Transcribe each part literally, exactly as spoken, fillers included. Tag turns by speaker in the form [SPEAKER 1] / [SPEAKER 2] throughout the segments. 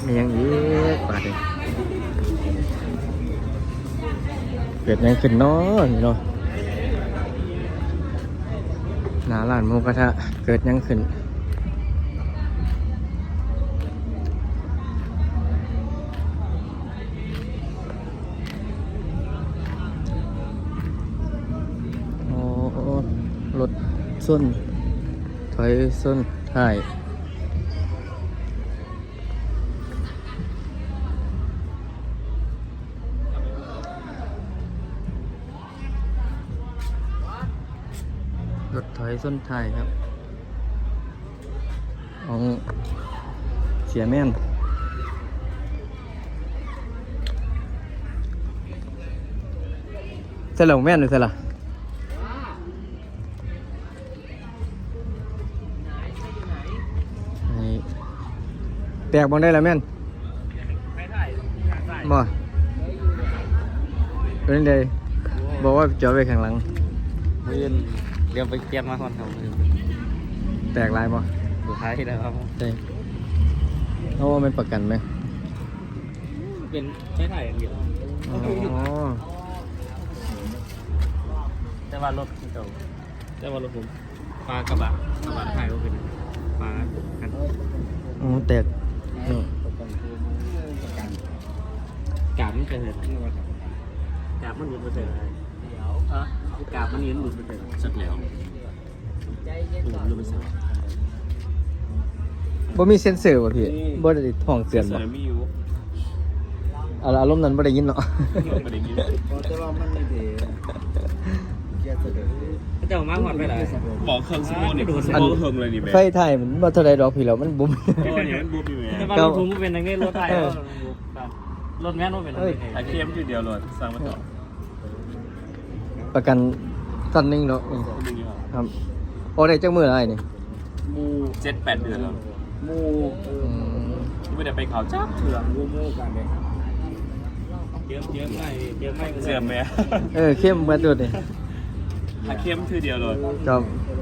[SPEAKER 1] มียังอีกบาดเลยเกิดยังขึ้นเนาะนี่เนาะหน้าร้านหมูกระทะเกิดยังขึ้นโอ้รถส้นถอยส้นท้ายรถถอยส้นท้ายครับของเสียแม่นเสร็จแล้วแม่นหรือเสร็จละแตกบอลได้แล้วแม่นบ่เป็นไงบอกว่าจอดไปข้างหลัง
[SPEAKER 2] มือเรียกไปเก็บมาก่อนครับ
[SPEAKER 1] แตกลายบ่
[SPEAKER 2] สุดท้ายแล้วครับ
[SPEAKER 1] ใช่เพราะว่ามันประกันไหม
[SPEAKER 2] เป็นไม่ถ่ายอย่างเดียว
[SPEAKER 1] อ๋อ
[SPEAKER 2] แต่ว่ารถเก่าแต่ว่ารถผมปลากระบะกระบะถ่ายก็เป็นปลากัน
[SPEAKER 1] อ๋อแตก
[SPEAKER 2] กาบมันเกิดกาบมันหลุดไปเลยเดี๋ยวเออกาบมันนี้หลุดไปเลยสักแล้วหลุดหลุดไปสัก
[SPEAKER 1] บ่มีเซ็นเซอร์ป่ะพี่บ่ได้ท้องเตือนบ่
[SPEAKER 2] มีอยู่
[SPEAKER 1] อารมณ์นั้นบ่ได้ยินเนาะ
[SPEAKER 2] บ่ได้ยินแต่ว่ามันไม่ดีแกเสด็จเจ้ามาหอดไปไหนบอกเครื่องสมองนี่เครื่องสมองเครื่องเลยนี่แม่
[SPEAKER 1] ไฟไทยมันบ่เท่าใดดอกพี่แล้วมันบุ้ม
[SPEAKER 2] โอ้ยมันบุ้มอยู่แม่แต่ว่ารถผมเป็นอย่างนี้รถไทยรถแม่นรถเป็นอะไรไอ้เข้มทีเดียวเลยสร้างมาต่อ
[SPEAKER 1] ประกันตันนึงเนาะครับโอ้ได้จักมื้ออะไรนี่
[SPEAKER 2] มูเจ็ดแปดเดือนแล้วมูไม่ได้ไปเขาจับเถื่อนมูมูกันเลยเยอะเยอะไม่เยอะไม่เสื่อมไหม
[SPEAKER 1] เออเข้มเหมือนตัวนี่
[SPEAKER 2] ถ้าเข้มทีเดียวเลย
[SPEAKER 1] ครับ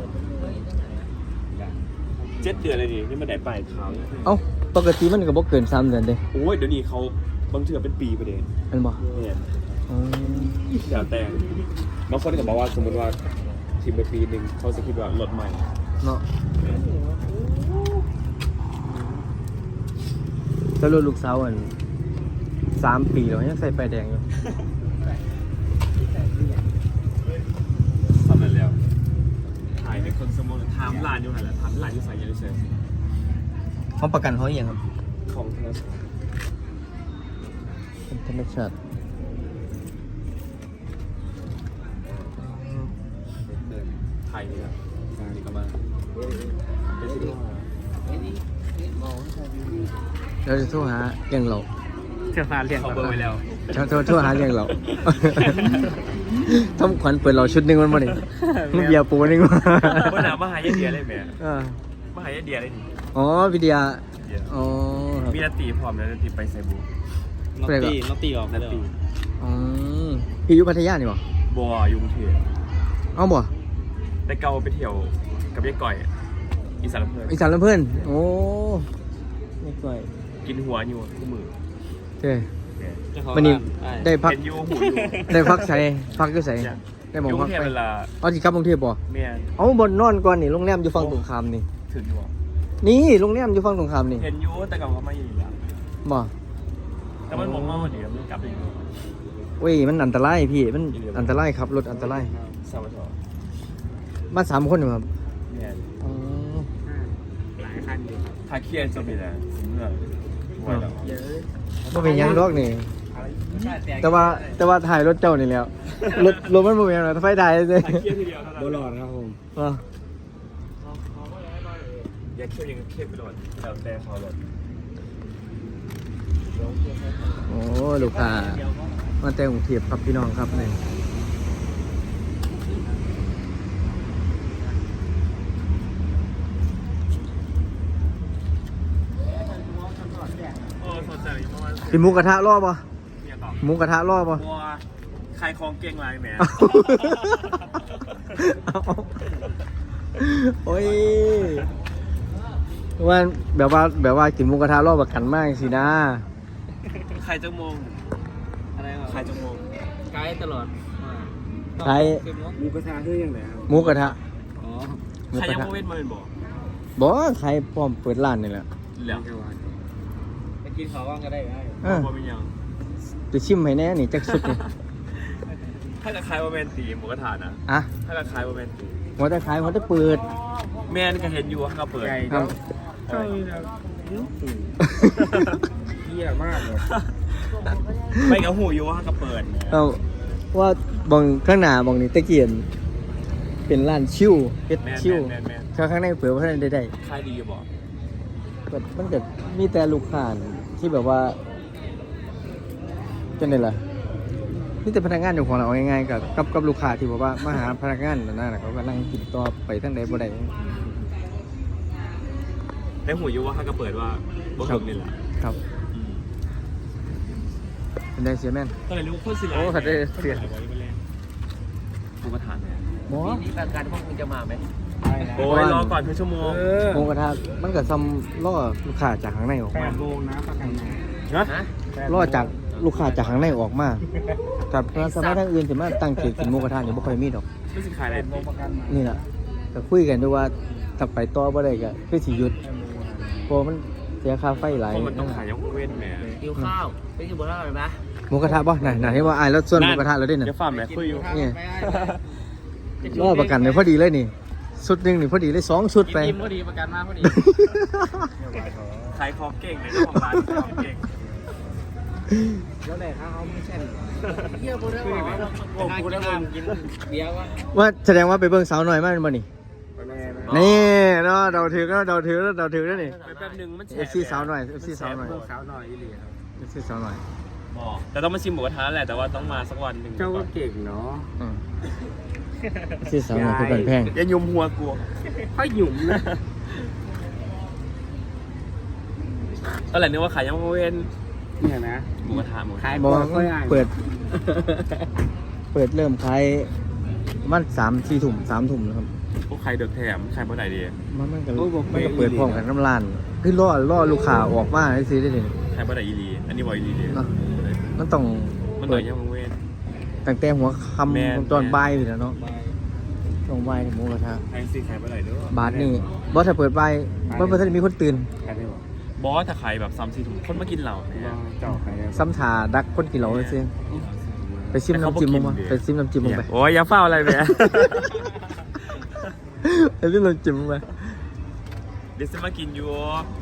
[SPEAKER 2] เจ็ดเดือนเลยดินี่มันได้ไปเขา
[SPEAKER 1] เอ้าปกติมันก็บ่เกินสามเดือนเด้
[SPEAKER 2] โอ้ยเดี๋ยวนี้เขาบางเถื่อเป็นปีไปเด้
[SPEAKER 1] อันบ่
[SPEAKER 2] เนี่ยเดี๋ยวแต่บางคนก็บอกว่าสมมติว่าทีมไปปีหนึ่งเขาจะคิดว่ารถใหม่
[SPEAKER 1] เนาะแล้วรถลูกสาวอันสามปีแล้วยังใส่ไฟแดงอยู่
[SPEAKER 2] ทำอะไรแล้วถ่ายในคนสมองถามร้านอยู่ไหนล่ะถามร้านอยู่ใส่ยังไงเฉย
[SPEAKER 1] เขาประกันเขาอย่างครับ
[SPEAKER 2] ของธรรมชาติ
[SPEAKER 1] ธรรมชาติ
[SPEAKER 2] ถ่ายนี่ครับการนี้ก็มา
[SPEAKER 1] เราจะโทรหาเลี้ยงเรา
[SPEAKER 2] เชื่อฟ้าเลี้ยงเขาเบอร์ไปแล้ว
[SPEAKER 1] โทรโทรโทรหาเลี้ยงเราทำขวัญเปิดเราชุดหนึ่งมันมาดิลูกเบียร์ปูนึงมา
[SPEAKER 2] ว่าหนามหายาเดียเลยแม่มหายาเดียเลยนี่
[SPEAKER 1] อ๋อวิทยาอ๋อ
[SPEAKER 2] มีนาตีพร้อมแล้วนาตีไปไซบูนอตีนอตีออกนาตี
[SPEAKER 1] อ๋อพี่อยู่พัทยานี่บ่
[SPEAKER 2] บัวยุงเทีย
[SPEAKER 1] เอ้าบ่
[SPEAKER 2] แต่เกาไปเที่ยวกับยายก่อยอีสานลำเพลิน
[SPEAKER 1] อีสานลำเพลินโอ้ยายก่อย
[SPEAKER 2] กินหัวอยู่คู่มือ
[SPEAKER 1] เจ้วันนี้ได้พักได้พักใส่พักก็ใส่ได้มองพักไปเอาสิครับกรุงเทพบ่เอาบนนอนก่อนนี่โรงแรมอยู่ฝั่งตรงข้ามนี่
[SPEAKER 2] ถึงอยู่
[SPEAKER 1] นี่โรงแรมอยู่ฝั่งตรงข้ามนี่
[SPEAKER 2] เห็นอยู่แต่กับเขาไม่อยู่แล้ว
[SPEAKER 1] บ่
[SPEAKER 2] แต่มันมองว่าเดี๋ยวมันกลับไปอยู่
[SPEAKER 1] เว้ยมันอันตรายพี่มันอันตรายครับรถอันตราย
[SPEAKER 2] สามคน
[SPEAKER 1] มาสามคนอยู่ครับ
[SPEAKER 2] อ๋อหลายคันอยู่ถ้าเครียดจะมีอะไรเมื่อวันแล้ว
[SPEAKER 1] บ่เป็นยังดอกนี่แต่ว่าแต่ว่าถ่ายรถเจ้านี่แล้วรถรถมันบ่เป็นอะไรไฟถ่ายเลย
[SPEAKER 2] บ่หลอดครับผม
[SPEAKER 1] อ๋อ
[SPEAKER 2] อยากเคี่ยวยังเคี่ยวไปหลอดแล้วแต่พอหลอด
[SPEAKER 1] โอ้ลูกค้ามาแต่งกรุงเทพครับพี่น้องครับนี่กินหมูกระทะรอบป่ะหมูกระทะรอบป่ะ
[SPEAKER 2] ใครคลองเก่งไรแหม
[SPEAKER 1] โอ้ยว่าแบบว่าแบบว่ากินหมูกระทะรอบประกันมากสินะ
[SPEAKER 2] ใครจะมองอะไรใครจะมองไกด์ตลอด
[SPEAKER 1] ใคร
[SPEAKER 2] หมูกระทะคือยังไงครับ
[SPEAKER 1] หมูกระทะ
[SPEAKER 2] อ๋อ
[SPEAKER 1] หมู
[SPEAKER 2] ใคร
[SPEAKER 1] กระ
[SPEAKER 2] ยัง
[SPEAKER 1] ทะ
[SPEAKER 2] โมเว้นมาเป็นบอก
[SPEAKER 1] บอกใครพร้อมเปิดร้านนี่แหละ
[SPEAKER 2] แล้วไปกินข้าวว่างก็ได้ไง
[SPEAKER 1] เออ
[SPEAKER 2] บ่เป็นยัง
[SPEAKER 1] จะชิมให้แน่นี่จักสุดนี่
[SPEAKER 2] ถ้าจะคลายว่าแมนตีหมูกระทะนะ
[SPEAKER 1] อ่ะ
[SPEAKER 2] ถ้าจะคลายว่าแมนตี
[SPEAKER 1] หัวตะขายหัวตะเปิด
[SPEAKER 2] แมนก็เห็นอยู่ว่าเขาเปิด
[SPEAKER 1] ครับ
[SPEAKER 2] เยี่ยมากเลยไม่กับหูอยู่ว่าเขาเปิด
[SPEAKER 1] เอาว่าบองข้างหน้าบองนี่ตะเกียนเป็นร้านชิวเฮ็ด
[SPEAKER 2] แมน
[SPEAKER 1] ชิว
[SPEAKER 2] แมนแมน
[SPEAKER 1] ข้างข้างในเปิดว่าท่านได้ได้
[SPEAKER 2] คลายดีอยู่บอก
[SPEAKER 1] ก็มันก็มีแต่ลูกค้าที่แบบว่าจังได๋ล่ะนี่แต่พนักงานอยู่ของเราเอาง่ายๆกับกับกับลูกค้าที่บอกว่ามาหาพนักงานนั่นน่ะเขาก็นั่งติดต่อไปทางใดบ่ได้
[SPEAKER 2] ได้หูอยู่ว่าเขาก็เปิดว่าบ่ถึงนี่แหละ
[SPEAKER 1] ครับเป็นได้เสียแม่น
[SPEAKER 2] ก็เลยรู้คนสิ
[SPEAKER 1] โอ้ขัดได้เสีย
[SPEAKER 2] หมูกระทะเนี่ย
[SPEAKER 1] หมอ
[SPEAKER 3] นี่ประกันพวกมึงจะมาไหม
[SPEAKER 2] โอ้ยรอก่อนเพื่อชั่วโมง
[SPEAKER 1] หมูกระทะมันก็ซ้ำล่อลูกค้าจากข้างในออกมา
[SPEAKER 2] โมงนะประกันนะ
[SPEAKER 1] ล่อจากลูกค้าจากข้างในออกมากับร้านสมัยทางอื่นจะมาตั้งเขตกินหมูกระทะนี่บ่ค่อยมีดอก
[SPEAKER 2] ไม่สิขายอะไร
[SPEAKER 1] นี่แหละก็คุยกันด้วยว่าถ้าไปต่อบ่ได้ก็คือสิหยุดเพราะมันเสียค่าไฟหลาย
[SPEAKER 2] เพราะมันต้องขายยกเว้นแหม
[SPEAKER 3] หิวข้าวไปกินบุหรี่อะไรไหม
[SPEAKER 1] หมูกระทะบ่ไหนไหนที่ว่าอายแล้วส่วนหมูกระทะเราได้น่ะ
[SPEAKER 2] เดี๋ยวฝ่าแม่คุยอยู่
[SPEAKER 1] นี่ล่อประกันเลยพอดีเลยนี่ชุดหนึงนี่พอดีเลยสองชุดไป
[SPEAKER 3] กินพอดีประกันมาพอดี
[SPEAKER 2] ขายของเก่งเลยเจ้าของร้านขายของเก่ง
[SPEAKER 3] แล้วไหนข้าวเขาไม่ใช่เที่ยวบุหรี่อะไรโอ้กูได้มากินเบียร์วะ
[SPEAKER 1] ว่าแสดงว่าไปเบิ่งสาวหน่อยมาแม่นบ่นี่นี่เนาะเดาถือก็เดาถือเดาถือแล้วนี่
[SPEAKER 2] แป๊บนึงมัน
[SPEAKER 1] เอฟซีสาวหน่อยเอฟซีสาวหน่อย
[SPEAKER 2] สาวหน่อยอีหลีครับ
[SPEAKER 1] เอฟซีสาวหน่อย
[SPEAKER 2] แต่ต้องมาชิมหมูกระทะแหละแต่ว่าต้องมาสักวันหนึ่ง
[SPEAKER 4] เจ้าก็เก่งเนาะ
[SPEAKER 1] อืมเอฟซีสาวหน่อยคือกันแพง
[SPEAKER 2] อย่ายุมหัวกู
[SPEAKER 4] ค่อยหยุ่มนะ
[SPEAKER 2] ตอนแรกนึกว่าขายยังเว้น
[SPEAKER 4] เนี่ยนะ
[SPEAKER 2] หมูกระทะหมูกระทะ
[SPEAKER 4] ขาย
[SPEAKER 1] บอ
[SPEAKER 4] ก่
[SPEAKER 1] ก
[SPEAKER 4] อนค่อยอ่าน
[SPEAKER 1] เปิด เปิดเริ่มขายมันสามสี่ถุ่มสามถุ่มนะครับ
[SPEAKER 2] พวกใครเดือดแถมใครเมื่อไหร่ดี
[SPEAKER 1] มันมันก็มันก็เปิดพร้อมกันน้ำลานคือล่อล่อลูกค้าออกมาให้ซื้อได้เลย
[SPEAKER 2] ใครเมื่อไหร่อีหลีอันนี้บอยอีหลีดี
[SPEAKER 1] เนาะมันต้อง
[SPEAKER 2] มันหน่อยยังเว้น
[SPEAKER 1] ตั้งแต่หัวค
[SPEAKER 2] แม่น
[SPEAKER 1] ำตอนบ่ายอยู่แล้วเนาะตอนบ่ายนี่หมูกระทะ
[SPEAKER 2] ใครสิใครเมื่อไหร่เด้อบ
[SPEAKER 1] าทนี่บอสถ้าเปิดบ่ายบอสเพื่อนมีคนตื่น
[SPEAKER 4] ขายได้บอก
[SPEAKER 2] บอสถ้าขายแบบซ้ำสี่ถุงคนมากินเหล่าเนี่ย
[SPEAKER 4] เจ้าขายได้
[SPEAKER 1] ซ้ำถาดักคนกินเหล้าเลยซิไปซิมน้ำจิ้มมึงมาไปซิมน้ำจิ้มมึงไป
[SPEAKER 2] โอ้ยอย่าเฝ้าอะไรแม่
[SPEAKER 1] ไปซิมน้ำจิ้มมึงไป
[SPEAKER 2] เดี๋ยวจะมากินอยู่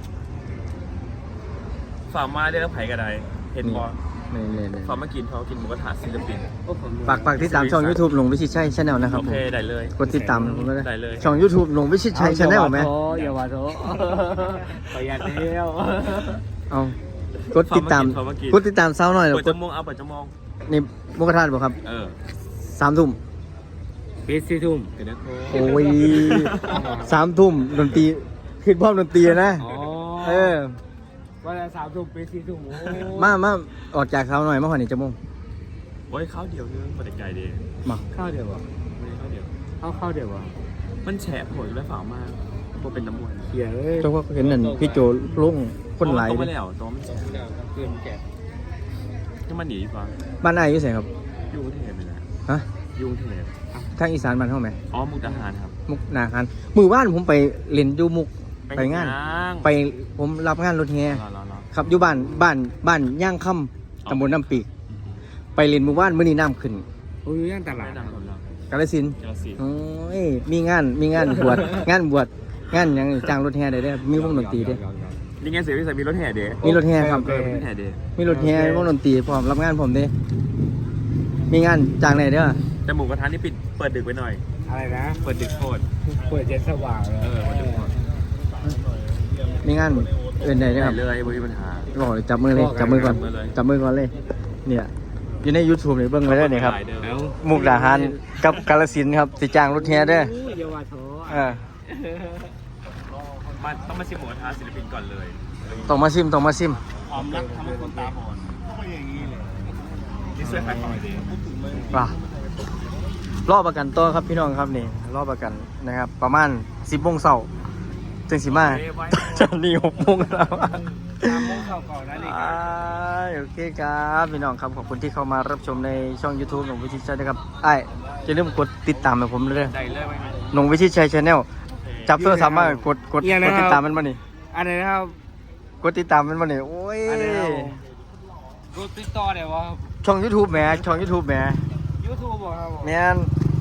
[SPEAKER 2] ฝากมาได้แล้วไผ่กระไดเห็นบอ
[SPEAKER 1] นี่นี่นี่
[SPEAKER 2] ฝากมากินเขากินหมูกระทะศิลปิน
[SPEAKER 1] ฝากฝากติดตามช่อง YouTube หลงวิชิตชัยชาแนลนะครับ
[SPEAKER 2] โอ
[SPEAKER 1] ผม
[SPEAKER 2] เคได้เลย
[SPEAKER 1] กดติดตามผมด้วยนะ
[SPEAKER 2] ได้เลย
[SPEAKER 1] ช่อง YouTube หลงวิชิตชัยชาแนลไหม
[SPEAKER 4] อย่าว่าโถประหยัดเดียว
[SPEAKER 1] เอากดติดตามกดติดตามเศร้าหน่อย
[SPEAKER 2] เปิ
[SPEAKER 1] แล้
[SPEAKER 2] ด
[SPEAKER 1] วก
[SPEAKER 2] จ
[SPEAKER 1] ด
[SPEAKER 2] มูกเอาเปิดจมูก
[SPEAKER 1] นี่มุกทานบ่ครับ
[SPEAKER 2] เออ
[SPEAKER 1] สามทุ่ม
[SPEAKER 4] ปีสี่ทุ่ม
[SPEAKER 2] เดี๋ยวนะโทร
[SPEAKER 1] โอ้ยสามทุ่มดนตรีขึ้นพร้อมดนตรีนะ
[SPEAKER 4] อ๋อ
[SPEAKER 1] เออ
[SPEAKER 4] วันละสามทุ่มปีสี่ทุ่มโอ้
[SPEAKER 1] มามาออกจากเขาหน่อยมาหอนี่จะมุ่ง
[SPEAKER 2] โอ้ยข้าวเดียวนึงปวดใจดี
[SPEAKER 1] มา
[SPEAKER 4] ข้าวเดียววะ
[SPEAKER 2] ไม่ได้ข้าวเดียว
[SPEAKER 4] ข้าวข้าวเดียววะ
[SPEAKER 2] มันแฉะโหดแล้วฝามากพวกเป็นน้ำมัน
[SPEAKER 4] เขียเลย
[SPEAKER 1] เจ้าว่าเห็นนั่นพี่โจลงคนไหลาย
[SPEAKER 2] ต้อง
[SPEAKER 1] เล
[SPEAKER 2] ไม่
[SPEAKER 1] ย
[SPEAKER 2] แล้วตัวมันแฉะ
[SPEAKER 4] เกินแก่
[SPEAKER 2] ที่มันหนีดีกว่า
[SPEAKER 1] บ้านอายอยู่ไสครับ
[SPEAKER 2] ยุ่งเทพเลยนะ
[SPEAKER 1] ฮะ
[SPEAKER 2] ยุ่งเทพ
[SPEAKER 1] ทางอีสานบ้านเฮาไหม
[SPEAKER 2] อ๋อมุกดาหารครับ
[SPEAKER 1] มุกนาคารมือว่านผมไปเล่นอยู่มุกไปงาน ไปผมรับงานรถแฮ
[SPEAKER 2] รอรอรอ
[SPEAKER 1] ครับอยู่บ้านบ้านบ้านย่างค่ำตำบลน้ำปีกไปเล่นมือว่านมื้อนี้น้ำขึ้น
[SPEAKER 4] โอ้ยย่างตลา
[SPEAKER 2] ไม่
[SPEAKER 4] ด
[SPEAKER 2] ดังคนเรา
[SPEAKER 1] กาฬสินธุ์
[SPEAKER 2] เจ้าสิ
[SPEAKER 1] โอ้ยมีงานมีงานบวช งานบวชงานหยังจ้างรถแห่ได้เด้อมีวงดนตรีเด้อ
[SPEAKER 2] นี่ไงเสียวิสัยมีรถแห่เด้
[SPEAKER 1] มีรถแห่ครับ
[SPEAKER 2] เออมีรถแห่เด้
[SPEAKER 1] มีรถแห่วงดนตรีพร้อมรับงานผมเด้มีงานจ้างได้เด้อ
[SPEAKER 2] แต่หมูกระทะนี่ปิดเปิดดึกไปหน่อย
[SPEAKER 4] อะไรนะ
[SPEAKER 2] เปิดดึกโคตร
[SPEAKER 4] เปิดเย็นสว่างเลย
[SPEAKER 2] เออวันดึกโคตร
[SPEAKER 1] มีงานเอื่นใดเด้อ
[SPEAKER 2] ได้
[SPEAKER 1] ครับ
[SPEAKER 2] เลยไม่มีปัญหา
[SPEAKER 1] บอกเลยจับมือเลยจับมือก่อนจับมือก่อนเลยเนี่ยอยู่ใน YouTube นี่เบิ่งไว้ได้เนี่ยครับ
[SPEAKER 4] แล้ว
[SPEAKER 1] มุกดาหารกับกาฬสินธุ์ครับสิจ้างรถแห่เด้อ
[SPEAKER 4] อย่าว่าโถ
[SPEAKER 1] เออ
[SPEAKER 2] มาต้องมาชิมหมูกระทะศิลปินก่อนเลย
[SPEAKER 1] ต้องมาซิมต้องมาซิม
[SPEAKER 2] ความรักทำให้คนตาบอดก็อย่างนี้เลยนี่ช่วยขายของดี
[SPEAKER 1] ว่ะรอประกันตัวครับพี่น้องครับนี่รอประกันนะครับ ประมาณสิบโมงเช้าจจังสิมาจะนี่หกโมงแล้ว
[SPEAKER 3] ตามโมงเข้าก่อนนะนี่
[SPEAKER 1] อ่าโอเคครับพี่น้องครับขอบคุณที่เข้ามารับชมในช่อง YouTube หนงวิชิตชัยนะครับไอ้จะเริ่าลืมกดติดตามให้ผมเลย
[SPEAKER 2] ได้เลยไหม
[SPEAKER 1] หนงวิชิตชัยชาแนลจับโทรศัพท์มากดกดกดติดตามมันมานี่
[SPEAKER 3] อันไหนนะครับ
[SPEAKER 1] กดติดตามมันมานี่โอ้ย
[SPEAKER 3] อันไหนครับรูติดต่อเดี๋ยวว่า
[SPEAKER 1] ช่อง YouTube แหมช่อง YouTube แหม
[SPEAKER 3] ยูทูบบอกครับผม
[SPEAKER 1] แมน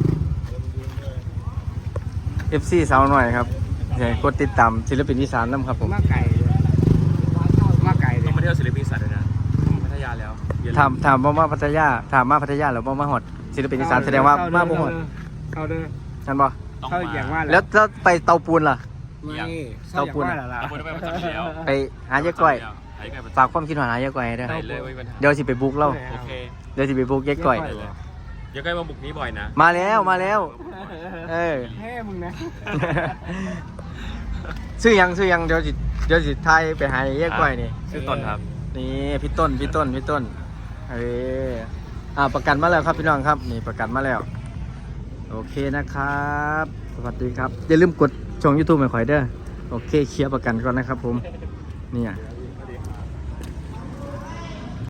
[SPEAKER 1] เอฟ ซี สาวหน่อยครับเดี๋ยวกดติดตามศิลปินอีสานนำครับผม
[SPEAKER 3] มาไก่เลยมาไก่เล
[SPEAKER 2] ต้อย งมาเที่ยวศิลปินสัตว์เลยนะพัทยาแล้วอย่ลื
[SPEAKER 1] ถามถามว่ามาพัทยาถามมาพัทยาหรือว่ามาหอดศิลปินอีสานแสดงว่ามาบ่หอด
[SPEAKER 3] เอาเด้อ
[SPEAKER 1] นั่นบ่
[SPEAKER 2] ต้อง
[SPEAKER 3] เข้าอย่างว่า
[SPEAKER 1] แล้วแล้วไปเตาปูนล่ะ
[SPEAKER 3] ไม่
[SPEAKER 1] เต้าปูน
[SPEAKER 3] เข้าอย่างว่าล่ะ
[SPEAKER 2] เอาไปไปประจำที่แล้ว
[SPEAKER 1] ไปหายายก้อย
[SPEAKER 2] หายายก้อย
[SPEAKER 1] ฝากความคิดหาหายายก้อยให้ด้วย
[SPEAKER 2] ได้เลยไม่มีปัญหา
[SPEAKER 1] เดี๋ยวสิไปบุกเล่า
[SPEAKER 2] โอเค
[SPEAKER 1] เดี๋ยวสิไปบุกยายก้อย
[SPEAKER 2] ได้เลยยายก้อยมาบุกนี้บ่อยนะ
[SPEAKER 1] มาแล้วมาแล้ว เออ
[SPEAKER 3] แฮ่มึงนะ
[SPEAKER 1] ซื้อยังซื้อยังเดี๋ยวสิเดี๋ยวสิทายไปหายายก้อยนี่
[SPEAKER 2] ชื่อต้นครับ
[SPEAKER 1] นี่พี่ต้นพี่ต้นพี่ต้นเอออ่าประกันมาแล้วครับพี่น้องครับนี่ประกันมาแล้วโอเคนะครับสวัสดีครับอย่าลืมกดช่อง YouTube ให้ข่อยเด้อโอเคเคลียร์ประกันก่อนนะครับผมเนี่ย